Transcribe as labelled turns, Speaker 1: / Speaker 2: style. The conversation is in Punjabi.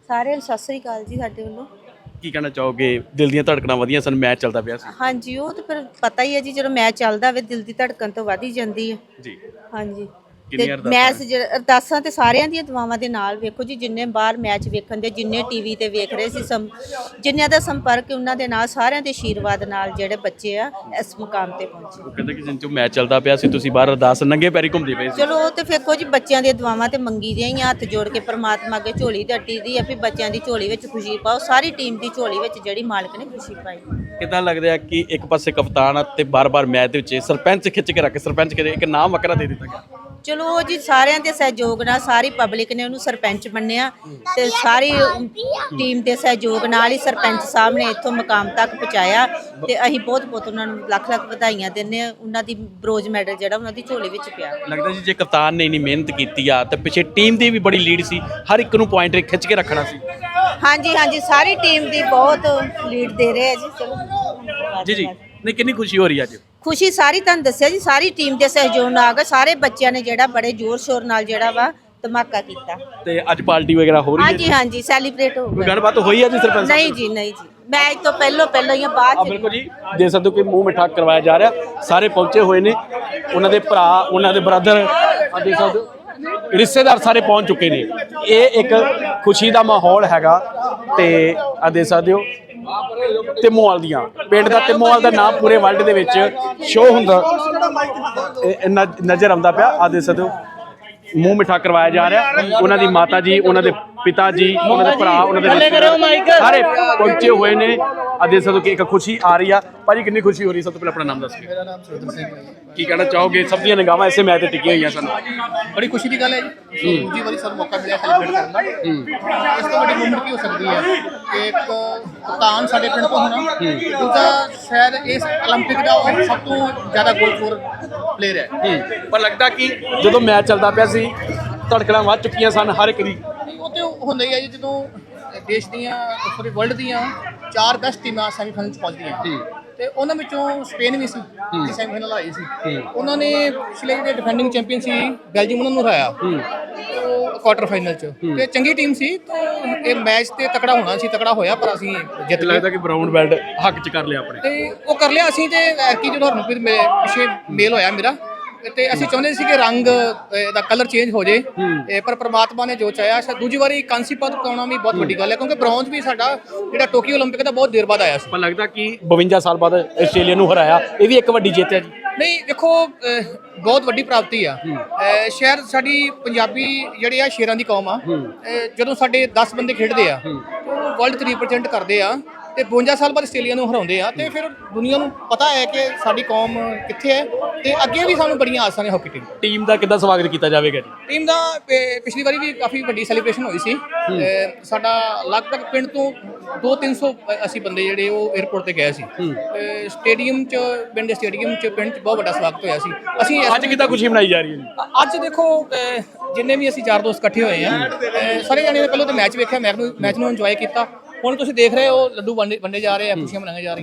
Speaker 1: ਸਾਰਿਆਂ ਨੂੰ ਸਤਿ ਸ੍ਰੀ ਅਕਾਲ ਜੀ ਸਾਡੇ ਵੱਲੋਂ।
Speaker 2: ਕੀ ਕਹਿਣਾ ਚਾਹੋਗੇ? ਦਿਲ ਦੀਆਂ ਧੜਕਣਾਂ ਵਧੀਆਂ ਸਨ, ਮੈਚ ਚੱਲਦਾ ਪਿਆ ਸੀ।
Speaker 1: ਹਾਂਜੀ, ਉਹ ਤਾਂ ਫਿਰ ਪਤਾ ਹੀ ਹੈ ਜੀ, ਜਦੋਂ ਮੈਚ ਚੱਲਦਾ ਹੋਵੇ ਦਿਲ ਦੀ ਧੜਕਣ ਤਾਂ ਵੱਧ ਹੀ ਜਾਂਦੀ ਹੈ।
Speaker 2: ਜੀ।
Speaker 1: ਹਾਂਜੀ, ਤੇ
Speaker 2: ਕਿੰਨੀਆਂ ਅਰਦਾਸਾਂ
Speaker 1: ਮੈਚ ਅਰਦਾਸਾਂ ਤੇ ਸਾਰਿਆਂ ਦੀਆਂ ਦੁਆਵਾਂ ਦੇ ਨਾਲ ਵੇਖੋ ਜੀ, ਜਿੰਨੇ ਬਾਹਰ ਮੈਚ ਵੇਖਣ ਦੇ, ਜਿੰਨੇ ਟੀਵੀ ਤੇ ਵੇਖ ਰਹੇ ਸੀ, ਜਿੰਨਿਆਂ ਦਾ ਸੰਪਰਕ ਉਹਨਾਂ ਦੇ ਨਾਲ, ਸਾਰਿਆਂ ਦੇ ਆਸ਼ੀਰਵਾਦ ਨਾਲ ਜਿਹੜੇ ਬੱਚੇ ਆ ਇਸ ਮੁਕਾਮ ਤੇ ਪਹੁੰਚੇ।
Speaker 2: ਉਹ ਕਹਿੰਦੇ ਕਿ ਜਿੰਨ ਚੋਂ ਮੈਚ ਚੱਲਦਾ ਪਿਆ ਸੀ ਤੁਸੀਂ ਬਾਹਰ ਅਰਦਾਸ ਨੰਗੇ ਪੈਰੀ ਘੁੰਮਦੇ ਪਏ ਸੀ।
Speaker 1: ਚਲੋ ਉਹ ਤੇ ਵੇਖੋ ਜੀ, ਬੱਚਿਆਂ ਦੀਆਂ ਦੁਆਵਾਂ ਤੇ ਮੰਗੀ ਦੀਆਂ ਹੀ ਆ, ਹੱਥ ਜੋੜ ਕੇ ਪ੍ਰਮਾਤਮਾ ਅੱਗੇ ਝੋਲੀ ਅੱਟੀ ਦੀ ਆ ਵੀ ਬੱਚਿਆਂ ਦੀ ਝੋਲੀ ਵਿੱਚ ਖੁਸ਼ੀ ਪਾਓ, ਸਾਰੀ ਟੀਮ ਦੀ ਝੋਲੀ ਵਿੱਚ ਜਿਹੜੀ ਮਾਲਕ ਨੇ ਖੁਸ਼ੀ ਪਾਈ।
Speaker 2: ਕਿੱਦਾਂ ਲੱਗਦਾ ਹੈ ਕਿ ਇੱਕ ਪਾਸੇ ਕਪਤਾਨ ਤੇ ਬਾਰ-ਬਾਰ ਮੈਚ ਦੇ ਵਿੱਚ ਸਰਪੰਚ ਖਿੱਚ ਕੇ ਰੱਖ, ਸਰਪੰਚ ਕੇ ਇੱਕ ਨਾਮ ਵੱਖਰਾ ਦੇ ਦਿੱਤਾ ਗਿਆ।
Speaker 1: ਚਲੋ ਜੀ, ਸਾਰਿਆਂ ਦੇ ਸਹਿਯੋਗ ਨਾਲ ਸਾਰੀ ਪਬਲਿਕ ਨੇ ਉਹਨੂੰ ਸਰਪੰਚ ਮੰਨਿਆ ਤੇ ਸਾਰੀ ਟੀਮ ਦੇ ਸਹਿਯੋਗ ਨਾਲ ਹੀ ਸਰਪੰਚ ਸਾਹਿਬ ਨੇ ਇੱਥੋਂ ਮੁਕਾਮ ਤੱਕ ਪਹੁੰਚਾਇਆ ਤੇ ਅਸੀਂ ਬਹੁਤ ਉਹਨਾਂ ਨੂੰ ਲੱਖ-ਲੱਖ ਵਧਾਈਆਂ ਦਿੰਦੇ ਆ। ਉਹਨਾਂ ਦੀ ਬ੍ਰੋਂਜ਼ ਮੈਡਲ ਜਿਹੜਾ ਉਹਨਾਂ ਦੀ ਝੋਲੀ ਵਿੱਚ ਪਿਆ।
Speaker 2: ਲੱਗਦਾ ਜੀ ਜੇ ਕਪਤਾਨ ਨੇ ਇੰਨੀ ਮਿਹਨਤ ਕੀਤੀ ਆ ਤੇ ਪਿੱਛੇ ਟੀਮ ਦੀ ਵੀ ਬੜੀ ਲੀਡ ਸੀ, ਹਰ ਇੱਕ ਨੂੰ ਪੁਆਇੰਟ ਖਿੱਚ ਕੇ ਰੱਖਣਾ ਸੀ।
Speaker 1: ਹਾਂਜੀ, ਸਾਰੀ ਟੀਮ ਦੀ ਬਹੁਤ ਲੀਡ ਦੇ ਰਹੇ ਆ ਜੀ। ਚਲੋ
Speaker 2: ਜੀ ਨਹੀਂ, ਕਿੰਨੀ ਖੁਸ਼ੀ ਹੋ ਰਹੀ ਅੱਜ?
Speaker 1: ਖੁਸ਼ੀ ਸਾਰੀ ਤੁਹਾਨੂੰ ਦੱਸਿਆ ਜੀ, ਸਾਰੀ ਟੀਮ ਦੇ ਸਹਿਯੋਗ ਨਾਲ ਆ ਗਏ, ਸਾਰੇ ਬੱਚਿਆਂ ਨੇ ਜਿਹੜਾ ਬੜੇ ਜ਼ੋਰ ਸ਼ੋਰ ਨਾਲ ਜਿਹੜਾ ਵਾ ਧਮਾਕਾ ਕੀਤਾ।
Speaker 2: ਤੇ ਅੱਜ ਪਾਰਟੀ ਵਗੈਰਾ ਹੋ ਰਹੀ ਹੈ?
Speaker 1: ਹਾਂਜੀ, ਸੈਲੀਬ੍ਰੇਟ ਹੋ
Speaker 2: ਕੋਈ
Speaker 1: ਗਿਆ।
Speaker 2: ਗੱਲਬਾਤ ਹੋਈ ਹੈ ਜੀ ਸਰਪੰਚ?
Speaker 1: ਨਹੀਂ ਜੀ, ਮੈਚ ਤੋਂ ਪਹਿਲਾਂ ਹੀ ਬਾਅਦ ਚ।
Speaker 2: ਬਿਲਕੁਲ ਜੀ, ਦੇ ਸਕਦੇ ਹੋ ਕਿ ਮੂੰਹ ਮਿੱਠਾ ਕਰਵਾਇਆ ਜਾ ਰਿਹਾ, ਸਾਰੇ ਪਹੁੰਚੇ ਹੋਏ ਨੇ, ਉਹਨਾਂ ਦੇ ਭਰਾ, ਉਹਨਾਂ ਦੇ ਬ੍ਰਦਰ, ਦੇ ਸਕਦੇ ਹੋ ਰਿਸ਼ਤੇਦਾਰ ਸਾਰੇ ਪਹੁੰਚ ਚੁੱਕੇ ਨੇ। ਇਹ ਇੱਕ ਖੁਸ਼ੀ ਦਾ ਮਾਹੌਲ ਹੈਗਾ ਤੇ ਆ ਦੇ ਸਕਦੇ ਹੋ ਤਿਮੋਵਾਲ ਦੀਆਂ, ਪਿੰਡ ਦਾ ਤਿਮੋਵਾਲ ਦਾ ਨਾਮ ਪੂਰੇ ਵਰਲਡ ਦੇ ਵਿੱਚ ਸ਼ੋਅ ਹੁੰਦਾ ਨਜ਼ਰ ਆਉਂਦਾ ਪਿਆ। ਆ ਦੇ ਸਕਦੇ ਹੋ ਮੂੰਹ ਮਿੱਠਾ ਕਰਵਾਇਆ ਜਾ ਰਿਹਾ, ਉਹਨਾਂ ਦੀ ਮਾਤਾ ਜੀ, ਉਹਨਾਂ ਦੇ ਪਿਤਾ ਜੀ, ਉਹਨਾਂ ਦੇ ਭਰਾ, ਉਹਨਾਂ ਦੇ ਰਿਸ਼ਤੇਦਾਰ ਸਾਰੇ ਪਹੁੰਚੇ ਹੋਏ ਨੇ। ਆ ਦੇ ਸਕਦੇ ਹੋ ਕਿ ਇੱਕ ਖੁਸ਼ੀ ਆ ਰਹੀ ਆ। ਭਾਜੀ ਕਿੰਨੀ ਖੁਸ਼ੀ ਹੋ ਰਹੀ? ਸਭ ਤੋਂ ਪਹਿਲਾਂ ਆਪਣਾ ਨਾਮ ਦੱਸ ਕੇ।
Speaker 3: ਮੇਰਾ ਨਾਮ ਸੁਰਿੰਦਰ ਸਿੰਘ ਹੈ।
Speaker 2: ਕੀ ਕਹਿਣਾ ਚਾਹੋਗੇ? ਸਭ ਦੀਆਂ ਨਿਗਾਹਾਂ ਇਸੇ ਮੈਚ ਤੇ ਟਿਕੀਆਂ ਹੋਈਆਂ ਸਨ।
Speaker 3: ਬੜੀ ਖੁਸ਼ੀ ਦੀ ਗੱਲ ਹੈ ਜੀ, ਦੂਜੀ ਵਾਰੀ ਸਾਨੂੰ ਮੌਕਾ ਮਿਲਿਆ ਸੈਲੀਬ੍ਰੇਟ ਕਰਨ ਦਾ। ਇਸ ਤੋਂ ਵੱਡੀ ਮੁਮਕਿਨ ਕੀ ਹੋ ਸਕਦੀ ਹੈ ਕਿ ਇੱਕ ਕਪਤਾਨ ਸਾਡੇ ਪਿੰਡ ਤੋਂ ਹੋਣਾ, ਦੂਜਾ ਸ਼ਾਇਦ ਇਸ 올림픽 ਦਾ ਉਹ ਸਭ ਤੋਂ ਜ਼ਿਆਦਾ ਗੋਲਫੋਰ ਪਲੇਅਰ ਹੈ।
Speaker 2: ਪਰ ਲੱਗਦਾ ਕਿ ਜਦੋਂ ਮੈਚ ਚੱਲਦਾ ਪਿਆ ਸੀ ਧੜਕਣਾਂ ਵੱਧ ਚੁੱਕੀਆਂ ਸਨ ਹਰ ਇੱਕ ਦੀ।
Speaker 3: ਉਹ ਤੇ ਹੁੰਦਾ ਹੀ ਹੈ ਜੀ, ਜਦੋਂ ਦੇਸ਼ ਦੀਆਂ ਪੂਰੇ ਵਰਲਡ ਦੀਆਂ 4 ਬੈਸਟ ਟੀਮਾਂ ਸੈਮੀਫਾਈਨਲ 'ਚ ਪਹੁੰਚਦੀਆਂ ਤੇ ਉਹਨਾਂ ਵਿੱਚੋਂ ਸਪੇਨ ਵੀ ਸੀ, ਸੈਮੀਫਾਈਨਲ ਆਈ ਸੀ। ਉਹਨਾਂ ਨੇ ਪਿਛਲੇ ਜਿਹੜੇ ਡਿਫੈਂਡਿੰਗ ਚੈਂਪੀਅਨ ਸੀ ਬੈਲਜੀਅਮ, ਉਹਨਾਂ ਨੂੰ ਹਰਾਇਆ ਕੁਆਟਰ ਫਾਈਨਲ 'ਚ, ਤੇ ਚੰਗੀ ਟੀਮ ਸੀ। ਤਾਂ ਇਹ ਮੈਚ ਤੇ ਤਕੜਾ ਹੋਣਾ ਸੀ, ਤਕੜਾ ਹੋਇਆ, ਪਰ ਅਸੀਂ ਜਿੱਤ ਗਏ।
Speaker 2: ਲੱਗਦਾ ਕਿ ਬਰਾਊਨ ਬੈਲਟ ਹੱਕ 'ਚ ਕਰ ਲਿਆ ਆਪਣੇ।
Speaker 3: ਤੇ ਉਹ ਕਰ ਲਿਆ ਅਸੀਂ। ਤੇ ਐਤਕੀ ਜਦੋਂ ਹਰਮਨਪ੍ਰੀਤ ਪਿੱਛੇ ਮੇਲ ਹੋਇਆ ਮੇਰਾ, ਤੇ ਅਸੀਂ ਚਾਹੁੰਦੇ ਸੀ ਕਿ ਰੰਗ ਦਾ ਕਲਰ ਚੇਂਜ ਹੋ ਜੇ, ਪਰ ਪ੍ਰਮਾਤਮਾ ਨੇ ਜੋ ਚਾਹਿਆ। ਦੂਜੀ ਵਾਰੀ ਕਾਂਸੀ ਪਦਕ ਪਾਉਣਾ ਵੀ ਬਹੁਤ ਵੱਡੀ ਗੱਲ ਹੈ, ਕਿਉਂਕਿ ਬ੍ਰੌਂਜ਼ ਵੀ ਸਾਡਾ ਜਿਹੜਾ ਟੋਕੀਓ 올림픽 ਦਾ ਬਹੁਤ ਦੇਰ ਬਾਅਦ ਆਇਆ ਸੀ।
Speaker 2: ਪਰ ਲੱਗਦਾ ਕਿ 52 ਸਾਲ ਬਾਅਦ ਆਸਟ੍ਰੇਲੀਆ ਨੂੰ ਹਰਾਇਆ, ਇਹ ਵੀ ਇੱਕ ਵੱਡੀ ਜਿੱਤ ਹੈ ਜੀ।
Speaker 3: ਨਹੀਂ ਦੇਖੋ, ਬਹੁਤ ਵੱਡੀ ਪ੍ਰਾਪਤੀ ਆ। ਸ਼ਾਇਦ ਸਾਡੀ ਪੰਜਾਬੀ ਜਿਹੜੇ ਆ ਸ਼ੇਰਾਂ ਦੀ ਕੌਮ ਆ। ਜਦੋਂ ਸਾਡੇ 10 ਬੰਦੇ ਖੇਡਦੇ ਆ, ਉਹ ਵਰਲਡ 'ਚ ਰਿਪਰੈਜ਼ੈਂਟ ਕਰਦੇ ਆ, ਤੇ 52 ਸਾਲ ਬਾਅਦ ਆਸਟ੍ਰੇਲੀਆ ਨੂੰ ਹਰਾਉਂਦੇ ਆ, ਤੇ ਫਿਰ ਦੁਨੀਆ ਨੂੰ ਪਤਾ ਹੈ ਕਿ ਸਾਡੀ ਕੌਮ ਕਿੱਥੇ ਹੈ, ਤੇ ਅੱਗੇ ਵੀ ਸਾਨੂੰ ਬੜੀਆਂ ਆਸਾਂ ਨੇ ਹਾਕੀ
Speaker 2: ਟੀਮ ਦਾ ਕਿੱਦਾਂ ਸਵਾਗਤ ਕੀਤਾ ਜਾਵੇਗਾ ਜੀ?
Speaker 3: ਟੀਮ ਦਾ ਪਿਛਲੀ ਵਾਰੀ ਵੀ ਕਾਫੀ ਵੱਡੀ ਸੈਲੀਬ੍ਰੇਸ਼ਨ ਹੋਈ ਸੀ। ਸਾਡਾ ਲਗਭਗ ਪਿੰਡ ਤੋਂ 200-300 ਅਸੀਂ ਬੰਦੇ ਜਿਹੜੇ ਉਹ 에ਅਰਪੋਰਟ ਤੇ ਗਏ ਸੀ। ਸਟੇਡੀਅਮ 'ਚ, ਪਿੰਡ ਦੇ ਸਟੇਡੀਅਮ 'ਚ, ਪਿੰਡ 'ਚ ਬਹੁਤ ਵੱਡਾ ਸਵਾਗਤ ਹੋਇਆ ਸੀ। ਅਸੀਂ
Speaker 2: ਅੱਜ ਕਿੱਦਾਂ ਖੁਸ਼ੀ ਮਨਾਈ ਜਾ ਰਹੀ ਹੈ ਜੀ?
Speaker 3: ਅੱਜ ਦੇਖੋ, ਜਿੰਨੇ ਵੀ ਅਸੀਂ ਯਾਰ ਦੋਸਤ ਇਕੱਠੇ ਹੋਏ ਆ, ਸਾਰੇ ਜਾਣੇ ਨੇ ਪਹਿਲਾਂ ਤਾਂ ਮੈਚ ਵੇਖਿਆ, ਮੈਚ ਨੂੰ ਇੰਜੋਏ ਕੀਤਾ। ਹੁਣ ਤੁਸੀਂ ਦੇਖ ਰਹੇ ਹੋ ਲੱਡੂ ਵੰਡੇ ਜਾ ਰਹੇ ਆ, ਖੁਸ਼ੀਆਂ ਮਨਾਈਆਂ ਜਾ ਰਹੀਆਂ।